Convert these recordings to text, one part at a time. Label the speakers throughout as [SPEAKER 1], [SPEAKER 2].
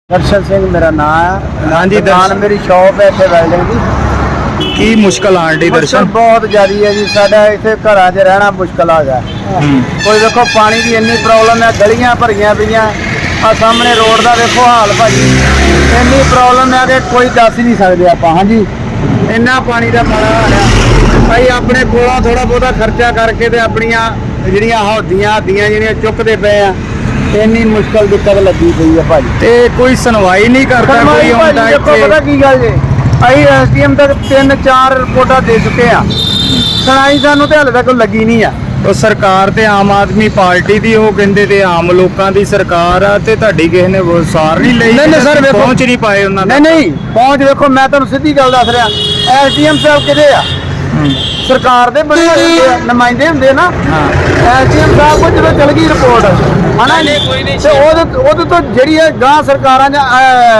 [SPEAKER 1] दर्शन सिंह मेरा नाम है।
[SPEAKER 2] हाँ जी,
[SPEAKER 1] दुकान
[SPEAKER 2] दर्शन।
[SPEAKER 1] मेरी शॉप है इतने वेल्डिंग की।
[SPEAKER 2] की मुश्किल आन डी
[SPEAKER 1] मुश्किल
[SPEAKER 2] दर्शन?
[SPEAKER 1] बहुत ज्यादा है जी। साडा इतने घर च रहना मुश्किल आ गया। कोई देखो पानी की इन्नी प्रॉब्लम है, गलियां भरियां पईयां आ सामने रोड का देखो हाल भाजी, इन्नी प्रॉब्लम है कि कोई दस ही नहीं सकते आप। हाँ जी, इन्ना पानी का माड़ा हाल है भाई। अपने कोलों थोड़ा बहुता खर्चा करके ते अपनियां ਜਿਹੜੀਆਂ ਹੌਦੀਆਂ ਜਿਹੜੀਆਂ ਚੁੱਕਦੇ ਪਏ ਆ, ਇੰਨੀ ਮੁਸ਼ਕਲ ਦਿੱਕਤ ਲੱਗੀ ਪਈ ਹੈ ਭਾਜੀ।
[SPEAKER 2] ਤੇ ਕੋਈ ਸੁਣਵਾਈ ਨਹੀਂ ਕਰਦਾ ਕੋਈ ਆਉਂਦਾ
[SPEAKER 1] ਦੇਖੋ
[SPEAKER 2] ਇੱਥੇ?
[SPEAKER 1] ਪਤਾ ਕੀ ਗੱਲ ਜੇ, ਅਸੀਂ ਐਸਡੀਐਮ ਤੱਕ 3-4 ਰਿਪੋਰਟਾਂ ਦੇ ਚੁੱਕੇ ਆ, ਸੁਣਾਈ ਸਾਨੂੰ ਤੇ ਹਾਲੇ ਤੱਕ ਲੱਗੀ ਨਹੀਂ ਆ।
[SPEAKER 2] ਉਹ ਸਰਕਾਰ ਤੇ ਆਮ ਆਦਮੀ ਪਾਰਟੀ ਦੀ, ਉਹ ਕਹਿੰਦੇ ਤੇ ਆਮ ਲੋਕਾਂ ਦੀ ਸਰਕਾਰ ਆ, ਤੇ ਤੁਹਾਡੀ ਕਿਸੇ ਨੇ ਸਾਰ ਨਹੀਂ ਲਈ?
[SPEAKER 1] ਨਹੀਂ ਸਰ, ਵੇਖੋ
[SPEAKER 2] ਪਹੁੰਚ ਨਹੀਂ ਪਾਏ ਉਹਨਾਂ ਦਾ।
[SPEAKER 1] ਨਹੀਂ ਪਹੁੰਚ ਵੇਖੋ, ਮੈਂ ਤੁਹਾਨੂੰ ਸਿੱਧੀ ਗੱਲ ਦੱਸ ਰਿਹਾ, ਐਸਡੀਐਮ ਸਾਹਿਬ ਕਿਹਦੇ ਆ? ਸਰਕਾਰ ਦੇ ਬਣੇ ਹੁੰਦੇ ਆ, ਨੁਮਾਇੰਦੇ ਹੁੰਦੇ ਨਾ। ਐਸਡੀਐਮ ਸਾਹਿਬ ਕੋਲ ਜਦੋਂ ਚਲ ਗਈ ਰਿਪੋਰਟ ਹਨਾ, ਤੇ ਉਹਦੇ ਤੋਂ ਜਿਹੜੀ ਹੈ ਗਾਂ ਸਰਕਾਰਾਂ ਜਾਂ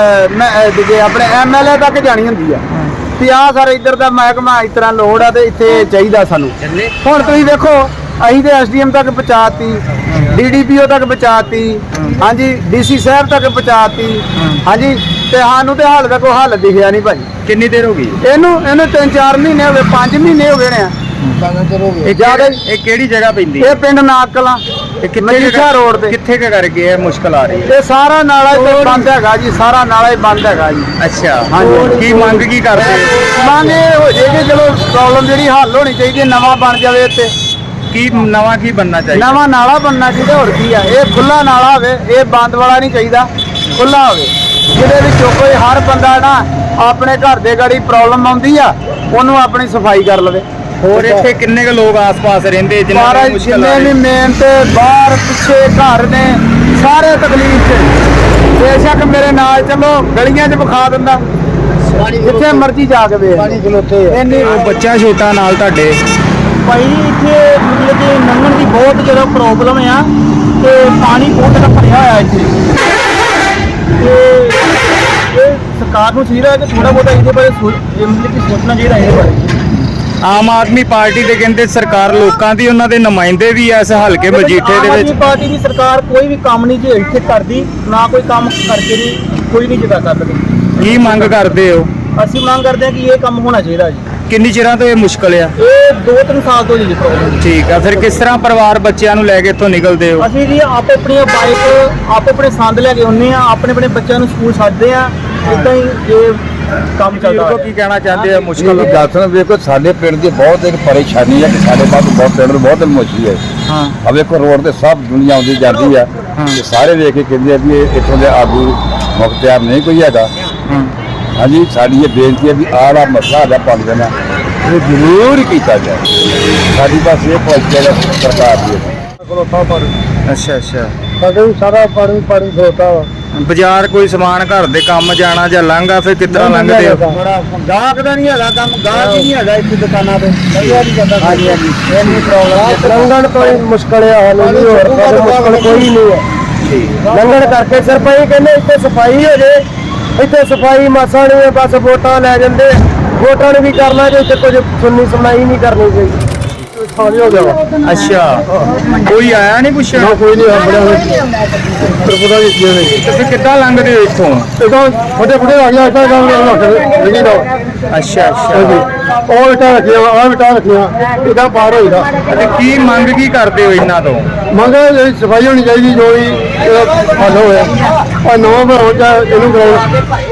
[SPEAKER 1] ਆਪਣੇ ਐਮਐਲਏ ਤੱਕ ਜਾਣੀ ਹੁੰਦੀ ਆ ਵੀ ਆਹ ਸਰ ਇੱਧਰ ਦਾ ਮਹਿਕਮਾ ਇਸ ਤਰ੍ਹਾਂ ਲੋੜ ਆ ਤੇ ਇੱਥੇ ਚਾਹੀਦਾ ਸਾਨੂੰ। ਹੁਣ ਤੁਸੀਂ ਦੇਖੋ, ਅਸੀਂ ਤੇ ਐਸਡੀਐਮ ਤੱਕ ਪਹੁੰਚਾਤੀ, ਡੀਡੀਪੀਓ ਤੱਕ ਪਹੁੰਚਾਤੀ, ਹਾਂਜੀ ਡੀਸੀ ਸਾਹਿਬ ਤੱਕ ਪਹੁੰਚਾਤੀ, ਹਾਂਜੀ, ਤੇ ਸਾਨੂੰ ਤੇ ਹਾਲ ਦਾ ਕੋਈ ਹੱਲ ਦਿਖਿਆ ਨਹੀਂ ਭਾਜੀ।
[SPEAKER 2] ਕਿੰਨੀ ਦੇਰ ਹੋ ਗਈ
[SPEAKER 1] ਇਹਨੂੰ 3-4 ਮਹੀਨੇ ਹੋ ਗਏ, 5 ਮਹੀਨੇ ਹੋ ਗਏ ਨੇ।
[SPEAKER 2] ਇਹ ਕਿਹੜੀ ਜਗ੍ਹਾ ਪੈਂਦੀ?
[SPEAKER 1] ਇਹ ਪਿੰਡ ਨਾਕਲਾਂ, ਮਜੀਠਾ ਰੋਡ ਤੇ।
[SPEAKER 2] ਕਿੱਥੇ ਕਰਕੇ ਇਹ ਮੁਸ਼ਕਲ ਆ ਰਹੀ ਹੈ?
[SPEAKER 1] ਇਹ ਸਾਰਾ ਨਾਲਾ ਹੀ ਬੰਦ ਹੈਗਾ ਜੀ, ਸਾਰਾ ਨਾਲਾ ਹੀ ਬੰਦ ਹੈਗਾ ਜੀ।
[SPEAKER 2] ਅੱਛਾ,
[SPEAKER 1] ਹਾਂਜੀ।
[SPEAKER 2] ਕੀ ਮੰਗ ਕੀ ਕਰਦੇ?
[SPEAKER 1] ਮੰਗ ਇਹ ਹੋ ਜੇ ਕਿ ਚਲੋ ਪ੍ਰੋਬਲਮ ਜਿਹੜੀ ਹੱਲ ਹੋਣੀ ਚਾਹੀਦੀ ਹੈ, ਨਵਾਂ ਬਣ ਜਾਵੇ ਇੱਥੇ।
[SPEAKER 2] ਕੀ ਨਵਾਂ ਕੀ ਬਣਨਾ ਚਾਹੀਦਾ?
[SPEAKER 1] ਨਵਾਂ ਨਾਲਾ ਬਣਨਾ ਚਾਹੀਦਾ, ਹੋਰ ਕੀ ਆ। ਇਹ ਖੁੱਲਾ ਨਾਲਾ ਹੋਵੇ, ਇਹ ਬੰਦ ਵਾਲਾ ਨਹੀਂ ਚਾਹੀਦਾ, ਖੁੱਲਾ ਹੋਵੇ, ਜਿਹਦੇ ਵਿੱਚੋਂ ਕੋਈ ਹਰ ਬੰਦਾ ਨਾ ਆਪਣੇ ਘਰ ਦੇ ਗਾੜੀ ਪ੍ਰੋਬਲਮ ਆਉਂਦੀ ਆ, ਉਹਨੂੰ ਆਪਣੀ ਸਫਾਈ ਕਰ ਲਵੇ।
[SPEAKER 2] ਹੋਰ ਇੱਥੇ ਕਿੰਨੇ ਕੁ ਲੋਕ ਆਸ-ਪਾਸ ਰਹਿੰਦੇ ਜਿਨ੍ਹਾਂ ਨੂੰ
[SPEAKER 1] ਬਾਹਰ
[SPEAKER 2] ਮੁਸ਼ਕਲ ਆ
[SPEAKER 1] ਜਿੰਨੇ ਵੀ
[SPEAKER 2] ਰਹੀ?
[SPEAKER 1] ਮੇਨ ਤੇ ਬਾਹਰ ਪਿੱਛੇ ਘਰ ਨੇ, ਸਾਰੇ ਤਕਲੀਫ 'ਚ। ਬੇਸ਼ੱਕ ਮੇਰੇ ਨਾਲ ਚਲੋ, ਗਲੀਆਂ 'ਚ ਵਿਖਾ ਦਿੰਦਾ, ਜਿੱਥੇ ਮਰਜ਼ੀ ਜਾ ਕੇ ਵੇਖ ਇੰਨੀ।
[SPEAKER 2] ਉਹ ਬੱਚਾ ਛੋਟਾ ਨਾਲ ਤੁਹਾਡੇ?
[SPEAKER 3] ਭਾਈ ਇੱਥੇ ਮਤਲਬ ਕਿ ਲੰਘਣ ਦੀ ਬਹੁਤ ਜ਼ਿਆਦਾ ਪ੍ਰੋਬਲਮ ਆ, ਤੇ ਪਾਣੀ ਬਹੁਤ ਜ਼ਿਆਦਾ ਭਰਿਆ ਹੋਇਆ ਇੱਥੇ। ਤੇ ਇਹ ਸਰਕਾਰ ਨੂੰ ਚਾਹੀਦਾ ਹੈ ਕਿ ਥੋੜਾ ਬਹੁਤਾ ਇਹਦੇ ਬਾਰੇ ਮਤਲਬ ਕਿ ਸੋਚਣਾ ਚਾਹੀਦਾ ਇਹਦੇ ਬਾਰੇ।
[SPEAKER 2] ਆਮ ਆਦਮੀ ਪਾਰਟੀ ਦੇ ਕਹਿੰਦੇ ਸਰਕਾਰ ਲੋਕਾਂ ਦੀ, ਉਹਨਾਂ ਦੇ ਨੁਮਾਇੰਦੇ ਵੀ ਐ ਇਸ ਹਲਕੇ ਮਜੀਠੇ ਦੇ
[SPEAKER 3] ਆਮ
[SPEAKER 2] ਵਿੱਚ।
[SPEAKER 3] ਆਦਮੀ ਪਾਰਟੀ ਦੀ ਸਰਕਾਰ ਕੋਈ ਵੀ ਕੰਮ ਨਹੀਂ ਜੇ ਇੱਥੇ ਕਰਦੀ, ਨਾ ਕੋਈ ਕੰਮ ਕਰਕੇ ਨਹੀਂ, ਕੋਈ ਨਹੀਂ ਜਿੱਦਾਂ ਕਰਦੀ।
[SPEAKER 2] ਕੀ ਮੰਗ ਕਰਦੇ ਹੋ?
[SPEAKER 3] ਅਸੀਂ ਮੰਗ ਕਰਦੇ ਹਾਂ ਕਿ ਇਹ ਕੰਮ ਹੋਣਾ ਚਾਹੀਦਾ ਜੀ।
[SPEAKER 2] ਕਿੰਨੀ ਚਿਰਾਂ ਤੋਂ ਇਹ ਮੁਸ਼ਕਲ ਆ?
[SPEAKER 3] ਇਹ 2-3 ਸਾਲ ਤੋਂ ਜੀ ਪ੍ਰੋਬਲਮ।
[SPEAKER 2] ਠੀਕ ਆ, ਫਿਰ ਕਿਸ ਤਰ੍ਹਾਂ ਪਰਿਵਾਰ ਬੱਚਿਆਂ ਨੂੰ ਲੈ ਕੇ ਇੱਥੋਂ ਨਿਕਲਦੇ ਹੋ?
[SPEAKER 3] ਅਸੀਂ ਜੀ ਆਪੇ ਆਪਣੀਆਂ ਬਾਈਕ, ਆਪੇ ਆਪਣੇ ਸੰਦ ਲੈ ਕੇ ਆਉਂਦੇ ਆ, ਆਪਣੇ ਬੱਚਿਆਂ ਨੂੰ ਸਕੂਲ ਛੱਡਦੇ ਆ, ਇਦਾਂ ਹੀ ਇਹ ਕੰਮ ਚੱਲਦਾ
[SPEAKER 2] ਬਜ਼ੁਰਗੋ ਕੀ ਕਹਿਣਾ ਚਾਹੁੰਦੇ ਆ? ਮੁਸ਼ਕਲ
[SPEAKER 4] ਗੱਲ ਵੇਖੋ, ਸਾਡੇ ਪਿੰਡ ਦੀ ਬਹੁਤ ਇੱਕ ਪਰੇਸ਼ਾਨੀ ਹੈ ਕਿ ਸਾਡੇ ਬਾਅਦ ਬਹੁਤ ਪਿੰਡ ਨੂੰ ਬਹੁਤ ਮੁਸ਼ਕਲ ਹੈ।
[SPEAKER 2] ਹਾਂ,
[SPEAKER 4] ਆ ਵੇਖੋ ਰੋਡ ਤੇ ਸਭ ਦੁਨੀਆ ਆਉਂਦੀ ਜਾਂਦੀ ਆ, ਤੇ ਸਾਰੇ ਵੇਖ ਕੇ ਕਹਿੰਦੇ ਆ ਵੀ ਇਹ ਇੱਥੋਂ ਦੇ ਆਗੂ ਮੁਖਤਿਆਰ ਨਹੀਂ ਕੋਈ ਹੈਗਾ। ਹਾਂਜੀ, ਸਾਡੀ ਇਹ ਬੇਨਤੀ ਹੈ ਵੀ ਆਹ ਵਾਲਾ ਮਸਲਾ ਹੈਗਾ ਪਾਣੀ ਦਾ, ਇਹ ਜ਼ਰੂਰ ਕੀਤਾ ਜਾਏ। ਸਾਡੀ ਬਸ ਇਹ ਪਹੁੰਚੇਗਾ ਸਰਕਾਰ ਦੀ।
[SPEAKER 2] ਅੱਛਾ
[SPEAKER 1] ਸਾਡੇ ਸਾਰਾ ਪਾਣੀ ਖਲੋਤਾ ਵਾ।
[SPEAKER 2] ਬਾਜ਼ਾਰ ਕੋਈ ਸਮਾਨ ਘਰ ਦੇ ਕੰਮ ਜਾਣਾ ਜਾਂ ਲੰਘਾ, ਫਿਰ ਕਿਸ ਤਰ੍ਹਾਂ ਲੰਘਦੇ ਹੋ?
[SPEAKER 1] ਗਾਹਕ ਦਾ ਨਹੀਂ ਹੈਗਾ ਕੰਮ, ਗਾਹਕ ਹੀ ਨਹੀਂ ਹੈਗਾ ਇੱਥੇ ਦੁਕਾਨਾਂ ਤੇ। ਹਾਂਜੀ, ਇੰਨੀ ਪ੍ਰੋਬਲਮ, ਲੰਘਣ ਤੋਂ ਹੀ ਮੁਸ਼ਕਲ ਆ। ਹਾਲੇ ਨਹੀਂ, ਹੋਰ ਮੁਸ਼ਕਲ ਕੋਈ ਨਹੀਂ ਹੈ। ਲੰਘਣ ਕਰਕੇ ਸਿਰਫ ਇਹ ਕਹਿੰਦੇ ਇੱਥੇ ਸਫਾਈ ਹੋ ਜੇ, ਇੱਥੇ ਸਫਾਈ ਮਾਸਾ ਨਹੀਂ ਹੈ, ਬਸ ਵੋਟਾਂ ਲੈ ਜਾਂਦੇ। ਵੋਟਾਂ ਨੂੰ ਵੀ ਕਰਨਾ ਜੇ ਇੱਥੇ ਕੁਝ ਸੁਣਨੀ ਸੁਣਾਈ ਨਹੀਂ ਕਰਨੀ ਚਾਹੀਦੀ। ਖਾਲੀ ਹੋ ਗਿਆ।
[SPEAKER 2] ਅੱਛਾ, ਕੋਈ ਆਇਆ ਨਹੀਂ ਪੁੱਛਣ?
[SPEAKER 1] ਕੋਈ ਨਹੀਂ ਪਤਾ
[SPEAKER 2] ਤੇ ਫਿਰ ਕਿੱਦਾਂ ਲੰਘਦੇ ਹੋ ਇੱਥੋਂ?
[SPEAKER 1] ਫਟੇ ਆ ਗਿਆ ਇੱਥੇ ਕੰਮ ਨਹੀਂ ਦਾ।
[SPEAKER 2] ਅੱਛਾ,
[SPEAKER 1] ਉਹ ਇਟਾ ਰੱਖਿਆ, ਆਹ ਇਟਾ ਰੱਖਿਆ, ਇਹਦਾ ਪਾਰ ਹੋਈਦਾ।
[SPEAKER 2] ਤੇ ਕੀ ਮੰਗ ਕੀ ਕਰਦੇ ਹੋ ਇਹਨਾਂ ਤੋਂ?
[SPEAKER 1] ਮੰਗੇ ਸਫਾਈ ਹੋਣੀ ਚਾਹੀਦੀ, ਜੋ ਵੀ ਹੱਲ ਹੋਇਆ। ਆ ਨਵਾਂ ਬਣਾਉਣ ਜਾਂ ਇਹਨੂੰ ਕਰਾਉਣਾ।